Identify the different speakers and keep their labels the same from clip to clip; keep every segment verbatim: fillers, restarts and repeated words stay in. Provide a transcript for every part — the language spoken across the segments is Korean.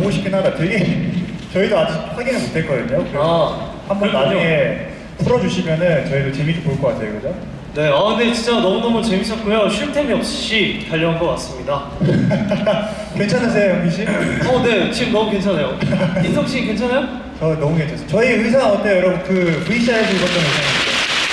Speaker 1: 보고 싶긴 하다. 되게 저희도 아직 확인을 못했거든요.
Speaker 2: 아,
Speaker 1: 한번
Speaker 2: 그렇군요.
Speaker 1: 나중에 풀어주시면은 저희도 재밌게 볼 것 같아요, 그죠?
Speaker 2: 네, 아 근데 진짜 너무너무 재밌었고요. 쉴 틈이 없이 달려온 것 같습니다.
Speaker 1: 괜찮으세요, 영기 씨?
Speaker 2: 어, 네, 지금 너무 괜찮아요. 인성 씨 괜찮아요?
Speaker 1: 저 너무 괜찮아요. 저희 의상 어때요, 여러분? 그 브이씨알에서 입었던 의상인데.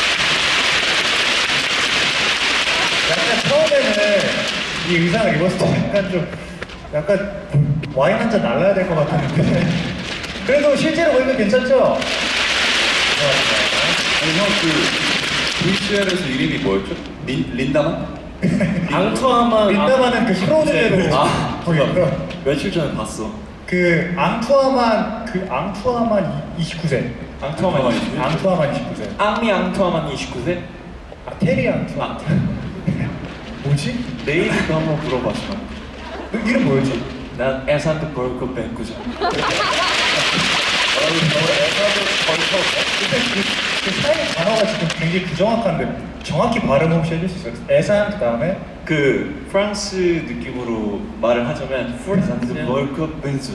Speaker 1: 약간 처음에는 이 의상을 입었을 때 약간 좀 약간 와인 한 잔 날라야 될 것 같았는데 그래도 실제로 보니까 괜찮죠?
Speaker 3: 아니 형 그 브이씨알에서 이름이 뭐였죠? 린, 린다만?
Speaker 2: 앙투아만
Speaker 1: 민다마는 그 프로즈대로
Speaker 3: 아,
Speaker 1: 보이고요.
Speaker 3: 며칠 전에 봤어.
Speaker 1: 그 앙투아만 그 앙투아만 이십구 세.
Speaker 3: 앙투아만 이십구 세?
Speaker 1: 앙투아만 이십구 세.
Speaker 3: 앙미 앙투아만 이십구 세?
Speaker 1: 아 테리 앙투아. 뭐지?
Speaker 3: 내 이름도 한번 물어봐주마.
Speaker 1: 너 이름 뭐였지?
Speaker 3: 난 에산드 벌크 뱅크죠.
Speaker 1: 근데 그, 그 사이 단어가 지금 굉장히 부정확한데 정확히 발음 혹시 해줄 수 있어요? 에산 그 다음에
Speaker 3: 그 프랑스 느낌으로 말을 하자면 에산드 벌크 뱅크.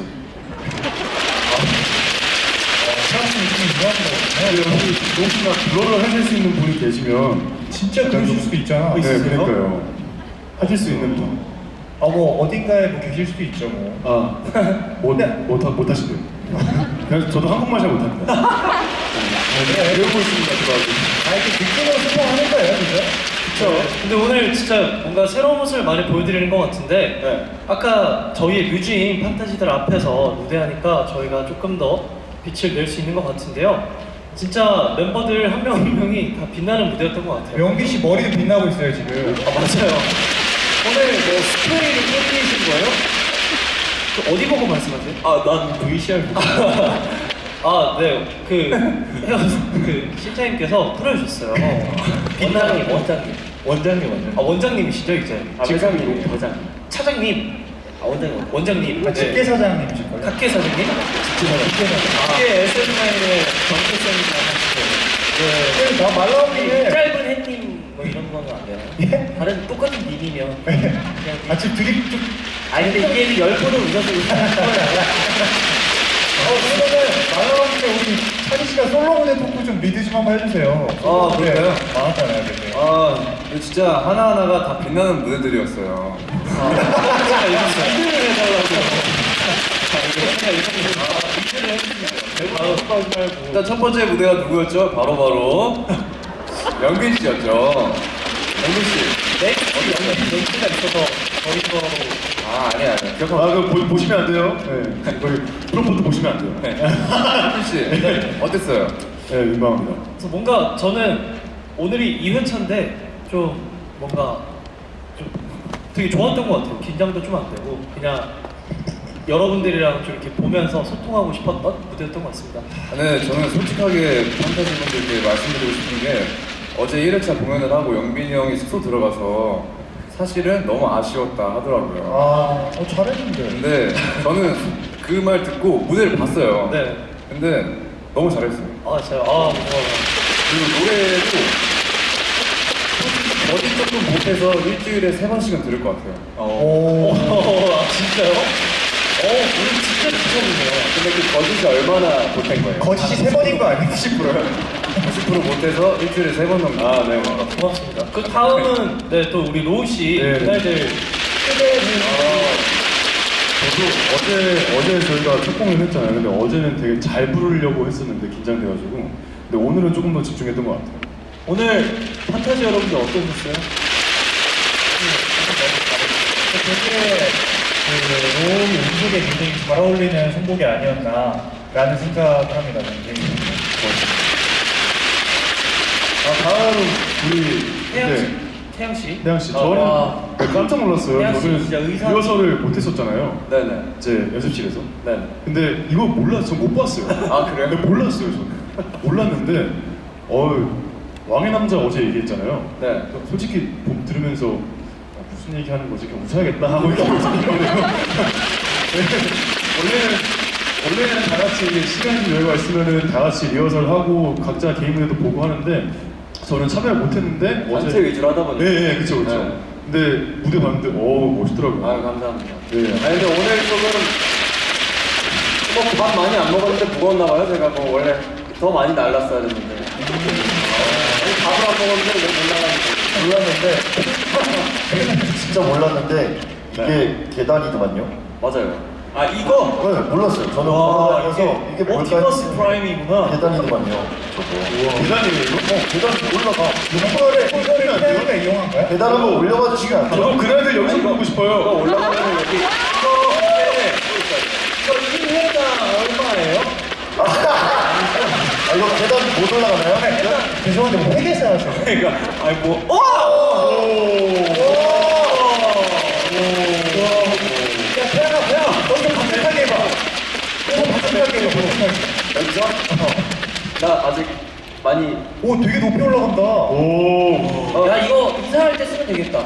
Speaker 1: 프랑스 느낌이 유명한 거거든요.
Speaker 4: 여기 혹시나 불어를 하실 수 있는 분이 계시면
Speaker 1: 진짜 그러실 수도 있잖아.
Speaker 4: 네, 그러니까요. 하실 수 있는 분.
Speaker 1: 아 뭐 어딘가에 뭐 계실 수도 있죠 뭐.
Speaker 4: 아, 못, 못, 하- 못 하시대요. 그래서 저도 한국말 잘 못합니다. 네, 배우고 있습니다, 저도 아직.
Speaker 1: 아 이렇게 느낌으로 소통하는 거예요, 그죠?
Speaker 2: 그렇죠. 근데 오늘 진짜 뭔가 새로운 모습을 많이 보여드리는 것 같은데
Speaker 3: 네.
Speaker 2: 아까 저희의 뮤즈인 판타지들 앞에서 무대하니까 저희가 조금 더 빛을 낼 수 있는 것 같은데요. 진짜 멤버들 한 명 한 명이 다 빛나는 무대였던 것 같아요.
Speaker 1: 영기 씨 머리도 빛나고 있어요 지금.
Speaker 2: 아 맞아요. 오늘 뭐 스프레이를 뿌리신 거예요? 그 어디 보고 말씀하세요?
Speaker 3: 아난 브이씨알 보고.
Speaker 2: 아, 네. 그, 헤어, 그, 실장님께서 풀어주셨어요. 원장님, 원장님.
Speaker 3: 원장님 원장님.
Speaker 2: 아, 원장님이시죠, 이제?
Speaker 3: 아, 회장님 회장.
Speaker 2: 차장님. 아, 원장님. 원장님.
Speaker 1: 아, 집계 사장님이실 거예요.
Speaker 2: 각계 사장님?
Speaker 1: 집계 사장.
Speaker 2: 각계 에스엔아이의 정체성이나 하시고. 네.
Speaker 1: 나 말 나오기에.
Speaker 2: 짧은 햇님, 뭐 이런 거는 안 돼요.
Speaker 1: 예?
Speaker 2: 다른 똑같은 님이면. 그냥.
Speaker 1: 아 지금 되게 좀.
Speaker 2: 아니, 근데 이게 열 번을 웃어서
Speaker 1: 어 그러면은 말 나오기에 우리 찬희 씨가 솔로 무대 토크 좀 리드 좀 한번 해주세요.
Speaker 3: 아, 그럴까요?
Speaker 1: 많았잖아요, 그때.
Speaker 3: 아 근데 진짜 하나하나가 다 빛나는 무대들이었어요.
Speaker 2: 제가 이렇게 리드를 해달라고. 제가 이렇게 리드를 해주시면 바로 습관하지 말고.
Speaker 3: 일단 첫 번째 무대가 누구였죠? 바로 바로 영빈 씨였죠. 영빈 씨.
Speaker 2: 넥스트 연기 넥스트가 있어서 저희 거로.
Speaker 3: 아 아니야 아니야. 기억하고.
Speaker 4: 아, 그거 보, 보시면 안 돼요. 네. 거기 프로포트 보시면 안 돼요.
Speaker 3: 네. 영빈 씨 어땠어요?
Speaker 4: 네, 민망합니다.
Speaker 2: 그래서 뭔가 저는 오늘이 이 회차인데 좀 뭔가 좀 되게 좋았던 것 같아요. 긴장도 좀 안 되고 그냥 여러분들이랑 좀 이렇게 보면서 소통하고 싶었던 무대였던 것 같습니다.
Speaker 3: 네, 저는 솔직하게 판타지 분들께 말씀드리고 싶은 게 어제 일 회차 공연을 하고 영빈이 형이 숙소 들어가서 사실은 너무 아쉬웠다 하더라고요.
Speaker 1: 아, 어, 잘했는데.
Speaker 3: 근데 저는 그 말 듣고 무대를 봤어요.
Speaker 2: 네.
Speaker 3: 근데 너무 잘했어요.
Speaker 2: 아 제가 아 고마워요.
Speaker 3: 그리고 노래도 솔직히 어디 조금 못해서 일주일에 세 번씩은 들을 것 같아요.
Speaker 1: 오.
Speaker 2: 오, 아 진짜요? 어 오늘 진짜 미쳤네요.
Speaker 3: 근데 그 거짓이 얼마나 못한 거예요?
Speaker 1: 거짓이 세 번인 거 아니에요?
Speaker 3: 구십 퍼센트요? 구십 퍼센트 못해서 일주일에 세 번 정도.
Speaker 4: 아, 네.
Speaker 2: 고맙습니다. 그 다음은 네 또 우리 로우 씨
Speaker 4: 네.
Speaker 2: 그날들 초대를
Speaker 4: 저도 어제, 어제 저희가 첫 공연 했잖아요. 근데 어제는 되게 잘 부르려고 했었는데 긴장돼가지고. 근데 오늘은 조금 더 집중했던 것 같아요.
Speaker 2: 오늘 판타지 여러분들 어떠셨어요?
Speaker 1: 되게 그 로우 음색에 굉장히 잘 어울리는 선곡이 아니었나라는 생각을 합니다. 굉장히.
Speaker 4: 아, 다음 우리
Speaker 2: 태양 씨,
Speaker 4: 네,
Speaker 2: 태양 씨.
Speaker 4: 태양 씨,
Speaker 2: 아,
Speaker 4: 저는
Speaker 2: 와.
Speaker 4: 깜짝 놀랐어요.
Speaker 2: 태양 씨
Speaker 4: 저는
Speaker 2: 진짜 의상-
Speaker 4: 리허설을 못했었잖아요.
Speaker 3: 네네.
Speaker 4: 제 연습실에서.
Speaker 3: 네.
Speaker 4: 근데 이거 몰랐어요. 전못 봤어요.
Speaker 3: 아, 그래요?
Speaker 4: 근데 몰랐어요, 저는. 몰랐는데, 어 왕의 남자 어제 얘기했잖아요.
Speaker 3: 네.
Speaker 4: 솔직히 봄 들으면서 아, 무슨 얘기 하는 거지? 그냥 웃어야겠다 하고 이렇게 웃었거든요. 원래는 원래는 다 같이 이게 시간이 여유가 있으면은 다 같이 리허설 하고 각자 개인 무대도 보고 하는데 저는 참여를 못했는데
Speaker 3: 단체 위주로 하다 보니까.
Speaker 4: 네, 네, 그쵸, 그쵸.
Speaker 3: 네.
Speaker 4: 근데 무대 봤는데 어 멋있더라고요.
Speaker 3: 아 감사합니다.
Speaker 4: 네.
Speaker 3: 아니 근데 오늘 조금
Speaker 5: 밥 많이 안 먹었는데 무거웠나 봐요. 제가 뭐 원래 더 많이 날랐어야 됐는데. 아니, 밥을 안 먹었는데 왜 못 날랐는지.
Speaker 6: 몰랐는데 진짜 몰랐는데 이게 계단이더만요.
Speaker 5: 맞아요.
Speaker 2: 아 이거
Speaker 6: 네, 몰랐어요. 저는
Speaker 2: 와,
Speaker 6: 그래서 이게 뭘까
Speaker 2: 옵티머스
Speaker 6: 했는데
Speaker 2: 프라임이구나.
Speaker 6: 계단이더만요. 저거.
Speaker 4: 계단이에요 이거?
Speaker 6: 어, 계단 올라가.
Speaker 1: 이거를 이거를 기다리니까 이용한 거야?
Speaker 6: 계단 한번 올려봐 주시면 안 돼요?
Speaker 4: 저도 그날들 여기서 보고
Speaker 5: 이거
Speaker 4: 싶어요.
Speaker 5: 올라가면 여기
Speaker 2: 이거 근데 이거 일 회당 얼마예요?
Speaker 6: 아, 이거 계단 못 올라가나요?
Speaker 1: 죄송한데 뭐 회계사 하세요?
Speaker 2: 그러니까 아니 뭐 와!
Speaker 1: 야, 태양아, 태양! 너좀 반짝하게 해봐. 좀 반짝하게 해봐, 반짝하게.
Speaker 5: 여기서 나 아직 많이
Speaker 1: 오, 되게 높이 올라간다.
Speaker 4: 오.
Speaker 5: 어,
Speaker 2: 야 이거 이사할 때 쓰면 되겠다.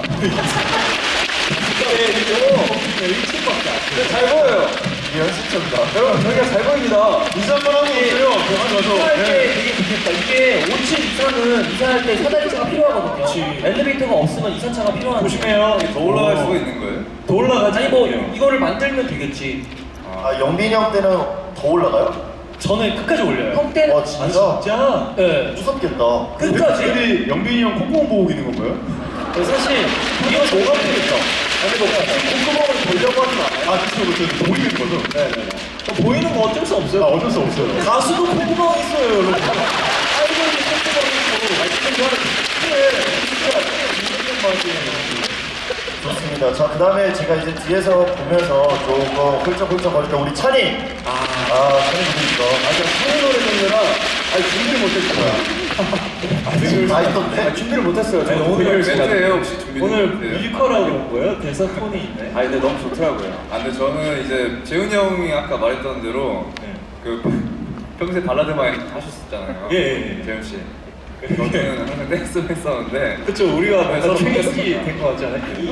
Speaker 5: 근데 잘 보여요.
Speaker 6: 이게 연습점이다.
Speaker 5: 여러분 저희가 잘 보입니다.
Speaker 4: 인사 한번 하고 오세요. 병원
Speaker 2: 이사할
Speaker 4: 가서.
Speaker 2: 때 되게 좋겠다. 이게 오 층 이상은 이사할 때 사다리차가 필요하거든요. 엘리베이터가 없으면 이사차가 필요한데.
Speaker 3: 조심해요. 더 올라갈 수가 있는 거예요?
Speaker 2: 더 올라가지. 아니 뭐 이거를 만들면 되겠지.
Speaker 6: 아, 영빈이 형 때는 더 올라가요?
Speaker 2: 저는 끝까지 올려요. 형 때는
Speaker 6: 와, 진짜?
Speaker 2: 진짜? 네.
Speaker 6: 무섭겠다.
Speaker 2: 끝까지.
Speaker 4: 근데 영빈이 형 콧구멍 보고 있는 건가요?
Speaker 2: 사실 이거 뭐가 되겠다.
Speaker 5: 아니 뭐 콧구멍을 보려고 하진 않아요.
Speaker 4: 아 그쵸 그쵸 보이는 거죠?
Speaker 5: 네네네.
Speaker 2: 보이는 거 어쩔 수
Speaker 4: 아
Speaker 2: 없어요.
Speaker 4: 어쩔 수 없어요.
Speaker 2: 가수도 콧구멍 있어요, 여러분. 아이돌이 콧구멍 있고, 아이돌이 하는 그래, 진짜 진짜 맛이에요.
Speaker 6: 좋습니다. 자, 그 다음에 제가 이제 뒤에서 보면서 조금 훌쩍훌쩍 거릴 때 우리 찬이!
Speaker 5: 아,
Speaker 6: 아, 찬이 분이니까.
Speaker 5: 아 제가 사회 노래 듣느라 아니 준비를 못했어요.
Speaker 6: 다 있던데?
Speaker 5: 아, 준비를 못했어요.
Speaker 2: 아니,
Speaker 5: 저는
Speaker 2: 오늘
Speaker 5: 오늘
Speaker 3: 멘트예요 혹시 준비?
Speaker 2: 오늘 뮤지컬하고 온 거예요? 대사 톤이 있네.
Speaker 5: 아 근데 너무 좋더라고요.
Speaker 3: 아 근데 저는 이제 재훈이 형이 아까 말했던 대로
Speaker 2: 네.
Speaker 3: 그 평소에 발라드만 하셨었잖아요.
Speaker 2: 예, 예, 예.
Speaker 3: 재훈 씨. 저는 항상 댄스 했었는데
Speaker 2: 그쵸, 우리가
Speaker 3: 네,
Speaker 2: 약간
Speaker 3: 저도
Speaker 2: 충격이 된 것 같지 않아요?
Speaker 3: 이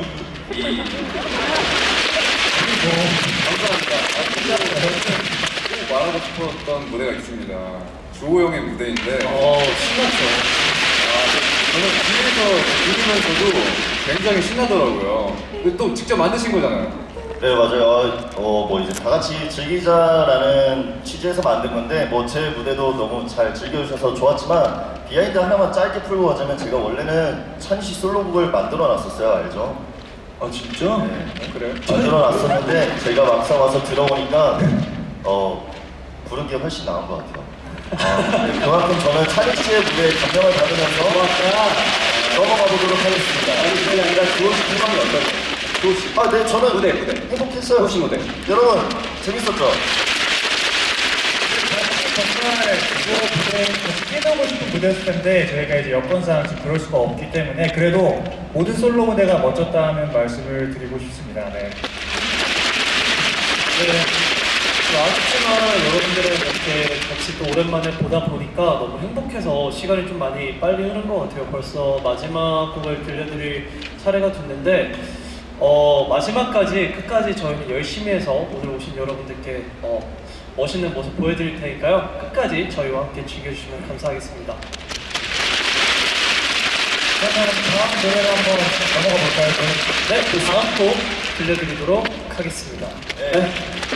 Speaker 3: 감사합니다. 아, 진짜로 저는 꼭 말하고 싶었던 무대가 있습니다. 주호 형의 무대인데
Speaker 2: 어, 신났죠.
Speaker 3: 저는 뒤에서 들으면서도 굉장히 신나더라고요. 근데 또 직접 만드신 거잖아요.
Speaker 6: 네, 맞아요. 어, 뭐 이제 다 같이 즐기자라는 취지에서 만든 건데, 뭐 제 무대도 너무 잘 즐겨주셔서 좋았지만, 비하인드 하나만 짧게 풀고 가자면 제가 원래는 찬시 솔로곡을 만들어 놨었어요. 알죠?
Speaker 2: 아, 진짜?
Speaker 6: 네.
Speaker 2: 그래요?
Speaker 6: 만들어 놨었는데, 제가 막상 와서 들어보니까, 어, 부른 게 훨씬 나은 것 같아요. 아, 네, 그만큼 저는 찬희 씨의 무대에 감명을 받으면서 넘어가 보도록 하겠습니다.
Speaker 5: 아니 그게 아니라 주호 씨 소감이 어떠세요? 주호 씨.
Speaker 6: 아, 네, 저는
Speaker 5: 무대, 무대.
Speaker 6: 행복했어요.
Speaker 5: 주호 씨 무대.
Speaker 6: 여러분, 재밌었죠?
Speaker 1: 정말 이거 무대 같이 뛰어보고 싶은 무대였을 텐데 저희가 이제 여건상 지금 그럴 수가 없기 때문에 그래도 모든 솔로 무대가 멋졌다는 말씀을 드리고 싶습니다. 네.
Speaker 2: 네. 아쉽지만 여러분들을 이렇게 같이 또 오랜만에 보다 보니까 너무 행복해서 시간이 좀 많이 빨리 흐른 것 같아요. 벌써 마지막 곡을 들려드릴 차례가 됐는데 어, 마지막까지 끝까지 저희는 열심히 해서 오늘 오신 여러분들께 어, 멋있는 모습 보여드릴 테니까요. 끝까지 저희와 함께 즐겨주시면 감사하겠습니다.
Speaker 1: 그러면 다음 노래로 한번 넘어가 볼까요? 저는
Speaker 2: 네, 그 다음 곡 들려드리도록 하겠습니다.
Speaker 6: 네.